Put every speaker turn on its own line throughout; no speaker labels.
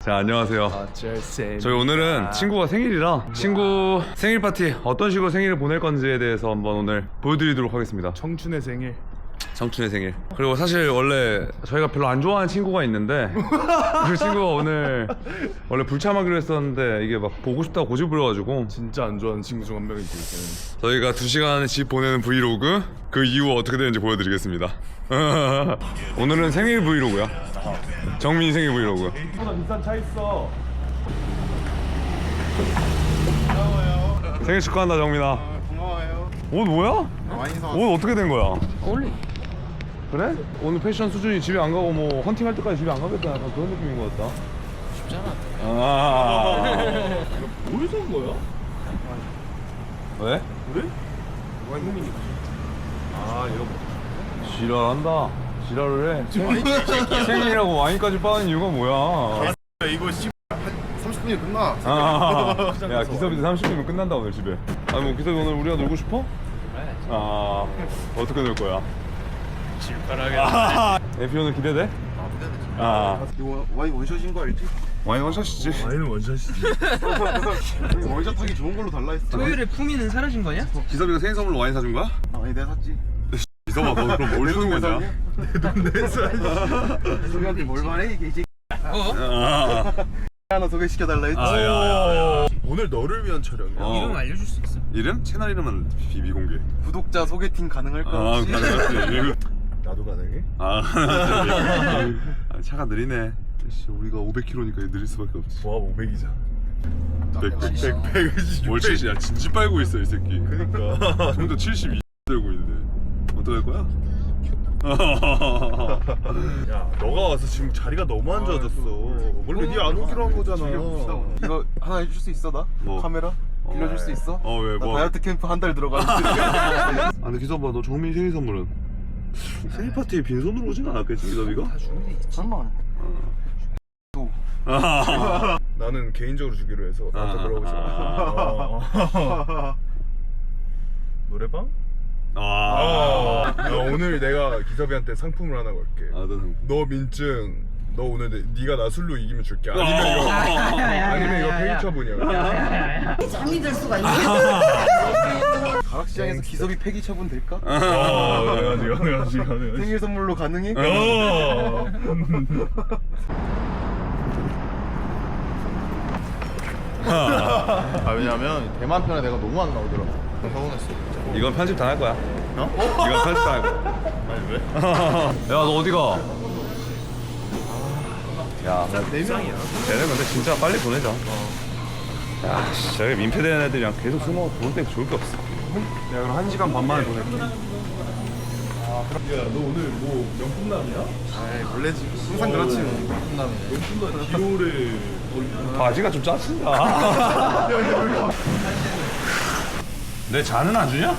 자, 안녕하세요. 저희 오늘은 친구가 생일이라 친구 생일 파티 어떤 식으로 생일을 보낼 건지에 대해서 한번 오늘 보여드리도록 하겠습니다.
청춘의 생일.
청춘의 생일. 그리고 사실 원래 저희가 별로 안 좋아하는 친구가 있는데 그 친구가 오늘 원래 불참하기로 했었는데 이게 막 보고 싶다고 고집 부려가지고
진짜 안 좋아하는 친구 중 한 명이지.
저희가 2시간 집 보내는 브이로그 그 이후 어떻게 되는지 보여드리겠습니다. 오늘은 생일 브이로그야. 정민이 생일 브이로그.
보다 비싼 차 있어.
생일 축하한다 정민아.
고마워요.
옷 뭐야?
많이 사.
옷 어떻게 된 거야?
어울리.
그래? 오늘 패션 수준이 집에 안 가고 뭐 헌팅할 때까지 집에 안 가겠다 약간 그런 느낌인 것 같다.
쉽잖아.
아.
뭘 산 거야?
왜?
그래? 와인이니까. 아 이거 뭐?
지랄한다. 지랄을 해. 생일이라고 와인까지 빠는 이유가 뭐야?
이거 30분이 끝나.
아, 야 기섭이도 30분이면 끝난다 오늘 집에. 아니 뭐 기섭이 오늘 우리가 놀고 싶어? 아 어떻게 놀 거야?
질펀하게.
에피 오늘 기대돼? 아
이거 와인 원샷인 거 알지?
와인 원샷이지.
와인은 원샷이지.
원샷 하기 좋은 걸로 달라 했어.
토요일에 품위는 사라진 거냐?
기섭이가 생일 선물로 와인 사준 거야?
아니 내가 샀지.
기섭아 너 그럼 뭘 주는 거냐?
소개한테 뭘 말해 이게 이제
아,
하나 소개시켜 달라 했지.
야.
오늘 너를 위한 촬영이야.
어.
이름 알려줄 수 있어?
이름? 채널 이름은 비공개.
구독자 소개팅 가능할까?
아
혹시?
가능하지.
나도 가능해?
아 차가 느리네. 씨, 우리가 500km니까 느릴 수밖에 없지.
조합 500이잖아.
100. 뭘 70? 야 진지 빨고 있어 이 새끼.
그니까.
혼자 72 들고 있는데 어떡할 거야?
야 너가 와서 지금 자리가 너무 안 좋아졌어. 원래 니 안 오기로 한 거잖아.
이거 하나 해줄 수 있어 나?
뭐?
카메라? 빌려줄 수 있어?
어 왜
나
뭐?
다이어트 캠프 한 달 들어가는데.
아 근데 기섭아 너 정민 생일 선물은? 생일 파티에 빈손으로 오진 않았겠지 기섭이가?
설마.
나는 개인적으로 주기로 해서 나한테 물어보지 마. 노래방?
아,
야, 오늘 내가 기섭이한테 상품을 하나 걸게. 너 민증. 너 오늘 네가 나 술로 이기면 줄게. 아니면 이거 페이 처분이야.
잠이 들 수가 있네.
가락시장에서 기섭이 폐기 처분 될까?
가능하지.
생일 선물로 가능해? 왜냐면 대만 편에 내가 너무 안 나오더라고. 서운했어.
이건 편집 당할 거야. 이건 편집 당할 거야.
아니 왜?
야 너 어디 가? 야,
네 명이야.
얘네 근데 진짜 빨리 보내자. 야, 씨, 저기 민폐되는 애들이랑 계속 술 먹어 돈 때문에 좋을 게 없어. 내가 그럼 1시간 반 만에 보낼게.
야 너 오늘 뭐 명품남이야?
아이 원래지. 항상 그렇지. 명품남이네.
명품남 디올에
바지가 좀 짜친다. 내 잔은 안 주냐?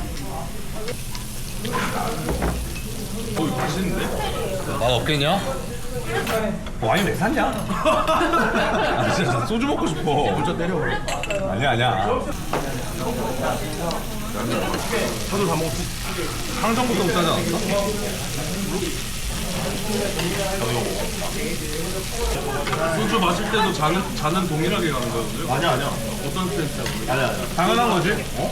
맛있는데?
맛 없겠냐? 와인 왜 샀냐? 아, 진짜 소주 먹고 싶어.
진짜 때려버려.
아니야.
차도 다 먹었지.
상정부터 못 사지 않았어?
소주 마실 때도 잔은 동일하게 가는 거였는데? 아니야. 어떤 센스야?
당연한 거지?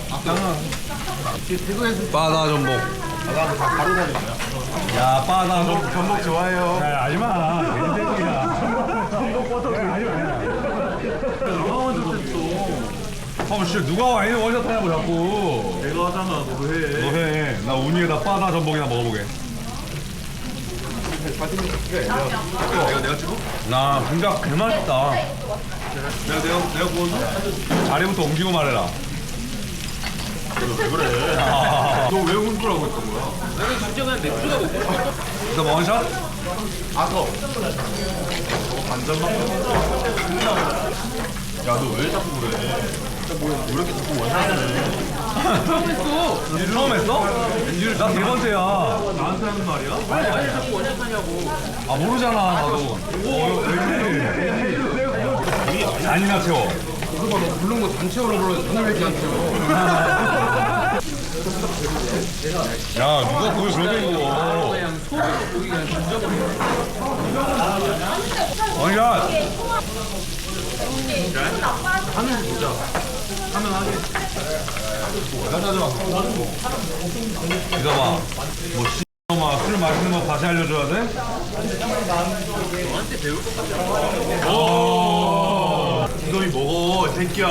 바다 전복. 야, 바다
전복 좋아해요.
야, 하지마. 개새끼야. 전복 버터. 하지마.
누가 원샷 했어?
씨, 누가 와인을 원샷 하냐고 자꾸.
내가 하잖아. 너도 해.
너 해. 나 운이에다 바다 전복이나 먹어보게.
내가 찍어?
나 분각 개 맛있다.
내가 구웠나?
자리부터 옮기고 말해라.
왜 그래? 너 왜 혼술하고 했던 거야?
나는 진짜 그냥 맥주가 먹고 싶어.
너 원샷?
반잔만 야 너 왜 자꾸 그래? 왜 이렇게 자꾸 원샷을 해?
처음 했어.
처음 했어? 나 네 번째야.
나한테 하는 말이야?
왜 자꾸 원샷하냐고.
아 모르잖아 나도. 오 왠지. 잔이나 채워.
그거 너 부른 거 단체로 불러 하나밖에 안 쳐.
야 누가 그걸 그렇게 입어?
그냥 소리로 보기 그냥 던져버려.
원샷.
하면 보자. 하면 하게.
이거 봐. 뭐 씨놈아 술 마시는 거 다시 알려줘야 돼?
너한테 배울 것 같아.
이놈이 먹어 새끼야.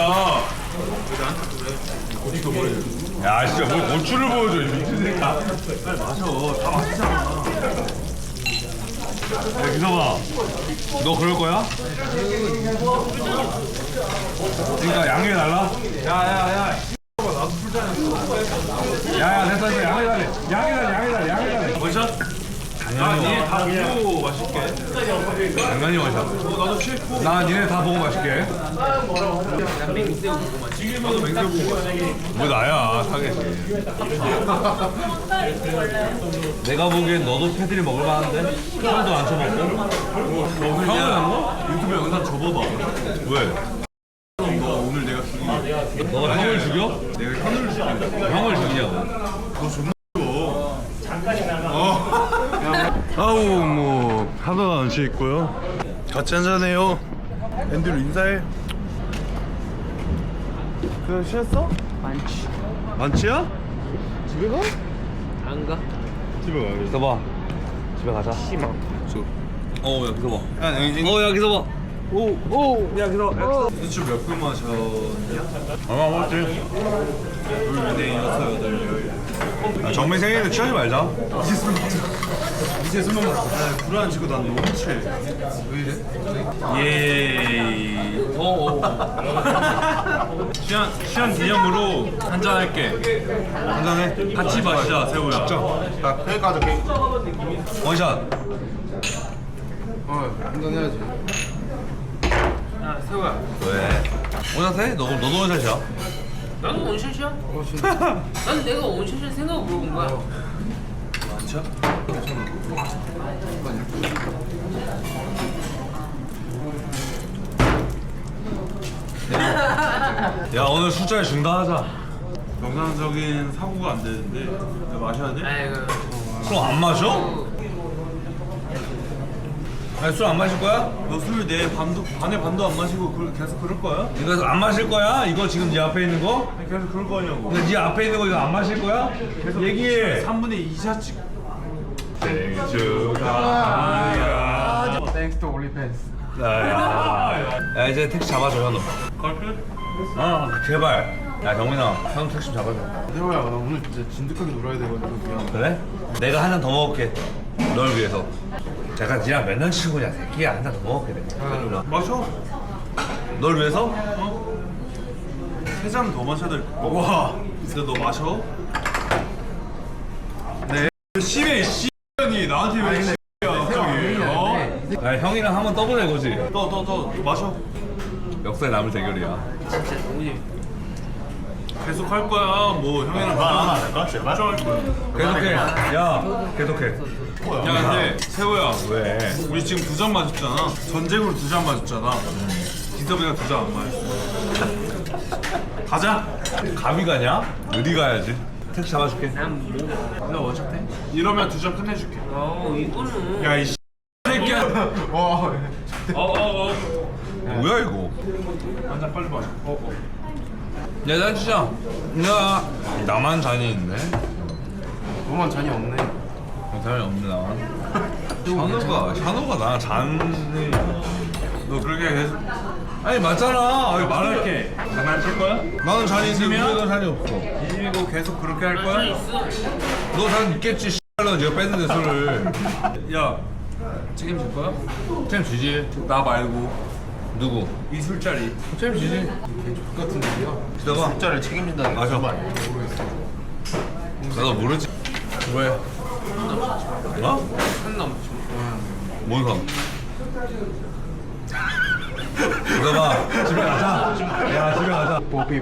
야 진짜 뭘 고추를 보여줘 이 미친 새끼야. 빨리 마셔. 다 마시잖아. 야 기서봐. 너 그럴 거야? 그러니까 양해 달라? 야야야. 야야 됐어 양해 달래. 양해 달래. 원샷? 당연히 니네 다 보고 맛있게. 당연히 원샷. 나도 싫고. 나 니네 다 보고 맛있게.
난 맹새우 보고 마시.
나도 맹세고 뭐 나야 타겟이. 내가 보기엔 너도 패들이 먹을 만한데? 형도 안 쳐먹고? 형은 안 먹어? 유튜브 영상 접어봐. 왜? 너 오늘 내가 죽이게. 너가 형을 죽여? 내가 형을 죽여. 형을 죽이냐고. 너 존나 죽어. 아우 뭐 하나도 안 취했고요. 같이 한잔해요. 앤드류 인사해. 그냥 쉬었어?
많지.
만취야?
집에 가?
안 가?
집에 가야지.
기서봐. 집에 가자.
심어.
야 기서봐. 야 기서봐. 야 기서.
대출 몇 분 마셨냐?
얼마 먹었지?
둘, 넷, 여섯, 여덟, 열.
정민 생일인데 취하지 말자.
이제 술 먹자. 이제 술 먹자. 불안 치고 난 너무 취해. 왜 이래?
예이.
취한 기념으로 한잔 할게.
한잔해.
같이 마시자, 세우야.
나 여기까지 오케이.
원샷.
한잔 해야지. 야 세호야.
왜? 원샷 해? 너도 원샷이야.
나도 원샷이야. 난 내가 원샷일 생각 물어본 거야.
진짜? 야 오늘 술자리 중단하자.
정상적인 사고가 안 되는데 내가 마셔야 돼?
아이고.
술 안 마셔? 아니 술 안 마실 거야?
너 술 내 반에 반도 안 마시고 계속 그럴 거야?
이거 안 마실 거야? 이거 지금 네 앞에 있는 거?
아니, 계속 그럴 거냐고.
근데 네 앞에 있는 거 이거 안 마실 거야? 얘기해.
3분의 2샷씩.
생일 축하합니다.
Thanks to OnlyFans.
야 이제 택시 잡아줘 현우.
걸플?
제발. 야 경민아 현우 택시 좀 잡아줘.
세호야, 나 오늘 진짜 진득하게 놀아야 되거든. 미안.
그래? 내가 한 잔 더 먹을게. 널 위해서. 제가 니랑 몇 년 친구냐 새끼야. 한 잔 더 먹을게 내가.
마셔.
널 위해서?
3잔 더 마셔야 될 거. 와. 근데 너 마셔? 네. 심해 씨년이 나한테 왜 씨야 갑자기? 어?
야 형이랑 한번 떠보자 이거지.
더 마셔.
역사에 남을 대결이야.
진짜 너무 재밌다.
계속 할 거야. 뭐 형이랑
말안 될까? 제발.
할 거야.
계속해. 야 계속해.
야 근데 세호야,
왜?
우리 지금 2잔 마셨잖아. 전쟁으로 2잔 마셨잖아. 기섭이가 2잔 안 마셨어. 가자.
감이 가냐? 어디 가야지? 택시 잡아줄게.
난 뭐? 나 원샷 해?
이러면 2잔 끝내줄게.
이거는.
야 이 새끼야.
뭐야 이거?
한잔 빨리 마셔.
야, 난 진짜. 야, 나만 잔이 있네.
너만 잔이 없네.
잔이 없네 나만. 샤노가 나랑 잔이.
너 그렇게 계속
아니 맞잖아. 아니, 말할게.
장난칠 거야?
나는 잔이 있는데 너는 잔이 없어.
이거 계속 그렇게 할
나
거야?
있어.
너 잔 있겠지. 씨발로 네가 뺐는데 술을.
야,
책임질 거야?
쌤 주지.
나 말고
누구?
이 술자리.
쌤 주지.
같은 얘기야.
기다봐.
숫자를 책임진다는 게
마셔.
무슨 말이야?
나도 모르지. 왜? 어?
한 남지.
뭔 상? 기다봐. 집에 가자. 야 집에 가자.
뽀삐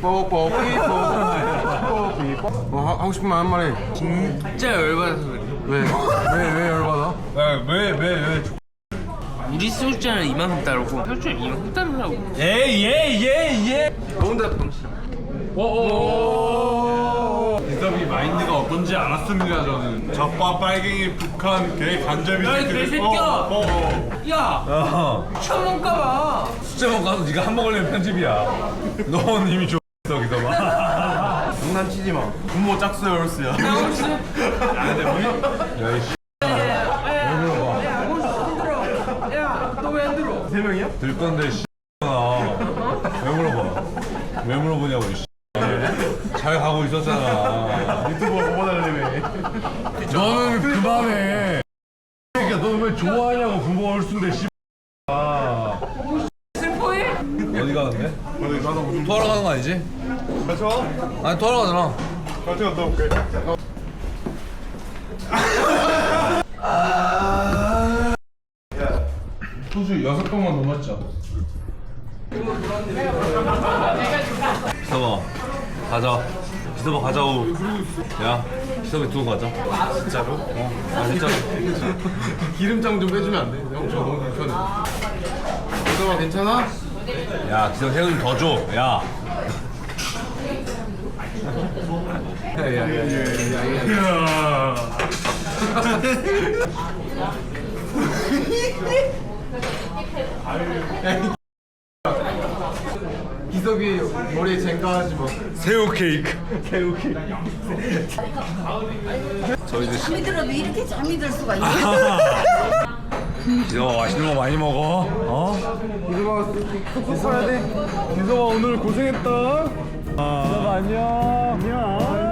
하고 싶은 말 한 마리.
진짜 열받아서 그래.
왜 열받아?
왜?
이
우리 소주잔은 이만큼 따르고 소주잔 이만큼 따르라고.
예.
더운데 방식.
기섭이 마인드가 어떤지 알았습니다 저는. 젖과 빨갱이 북한 개 간접이.
야이 개새끼야. 야. 천 먹까봐.
숫자만 가서 네가 한 번 걸리면 편집이야. 넌 이미 줬어 기섭아.
장난치지 마. 부모 짝수 열스야.
야 이씨.
야너왜 안 들어?
세 명이야?
들 건데 씨. 왜 물어봐? 왜 물어보냐고 씨. 잘 가고 있었잖아.
유튜버 뽑아달래매.
너는 그만해. 그러니까 너는 왜 좋아하냐고 부모가 얼순데 씨.
슬퍼해?
어디 가는데?
어디 가서 무슨
토하러 가는 거 아니지?
같이 와?
아니 토하러 가잖아.
같이 갔다 올게.
소주 6병만 넘었죠. 기섭아 가자. 기섭아 가자고. 야 기섭이 두고 가자.
진짜로?
아 진짜로.
기름장 좀 빼주면 안 돼? 형, 저 너무 불편해. 기섭아 괜찮아?
야 기섭 새우 좀 더 줘. 야.
기섭이 머리에 젠가하지 마.
새우 케이크.
잠이 들어도 이렇게 잠이 들 수가 있나?
기섭아 맛있는 거 많이 먹어. 어?
기섭아 오늘 고생했다. 기섭아 안녕.